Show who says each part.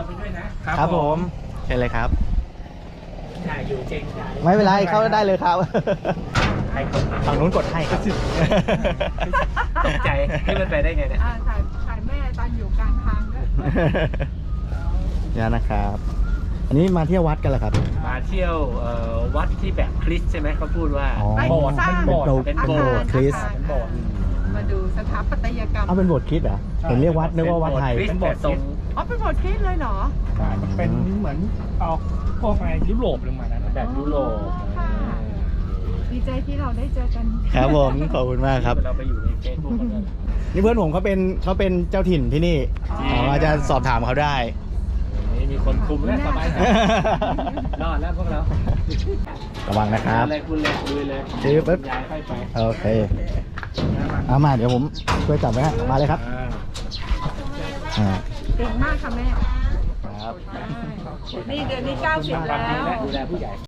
Speaker 1: ไปด้วยนะครับ
Speaker 2: ผมเชิญเลยครับ
Speaker 1: ถ่ายอยู่เก่งใจ
Speaker 2: ไม่เป็นไรเข้าได้เลยครับ
Speaker 1: ใครกด
Speaker 2: ฝั่งนู้นกดให้ครับ
Speaker 1: ตกใจที่มันไปได้ไงเนี่ย
Speaker 3: ถ่ายแม่ตอนอยู่กลางทางด้วย
Speaker 2: นี่นะครับ อันนี้มาเที่ยววัดกันเหรอครับ
Speaker 1: มาเที่ยววัดที่แบบคริสต์ใช่ไหมเขาพูดว่า
Speaker 2: อ๋อ
Speaker 3: ไป
Speaker 1: โบสถ์
Speaker 3: สร้าง
Speaker 1: เป็นโบสถ์
Speaker 2: เป็น
Speaker 1: เป็น
Speaker 2: โบ
Speaker 1: โบ
Speaker 2: ส
Speaker 1: ส
Speaker 2: ถ์
Speaker 1: ถ์
Speaker 2: คริสต์
Speaker 1: เป็นโบสถ์
Speaker 3: มาดูสถาปัตยกรรม
Speaker 2: เอาเป็นโบสถ์คริสต์เหรอเห็นเรียกวัดนึกว่าวัดไทย
Speaker 1: เป็นโบสถ์ทรง
Speaker 3: อ๋อเป็นโบสถ์คริสต์เลยเหรอ
Speaker 4: เป็นเหมือนเอาพวกอะไรยุโรปลงมานั้น
Speaker 1: แบบยุโรป
Speaker 3: ค่ะ ดีใจที่เราได้เจอกัน
Speaker 2: ครับผมขอบคุณมากครับ
Speaker 1: เราไปอยู่ในเฟซบุ๊กเขาด้วย
Speaker 2: นี่เพื่อนผมเขาเป็นเจ้าถิ่นที่นี่อาจจะสอบถามเขาได้
Speaker 1: นี่มีคนคุมแล้วสบายใจรอดแล้วพวกเรา
Speaker 2: ระวังนะครับ
Speaker 1: อะไรคุณเลยลุยเลย
Speaker 2: ซื้อปุ๊บ
Speaker 1: ย้ายค่อยไป
Speaker 2: โอเคเอามาเดี๋ยวผมช่วยจับไว้ฮะมาเลยครับอ่า
Speaker 3: เก่งมากค่ะแม่
Speaker 2: ครับ
Speaker 3: นี่เดือนนี้90
Speaker 1: ความ
Speaker 3: แล้
Speaker 1: ดี
Speaker 3: ว
Speaker 1: และดูแลผู้ใหญ่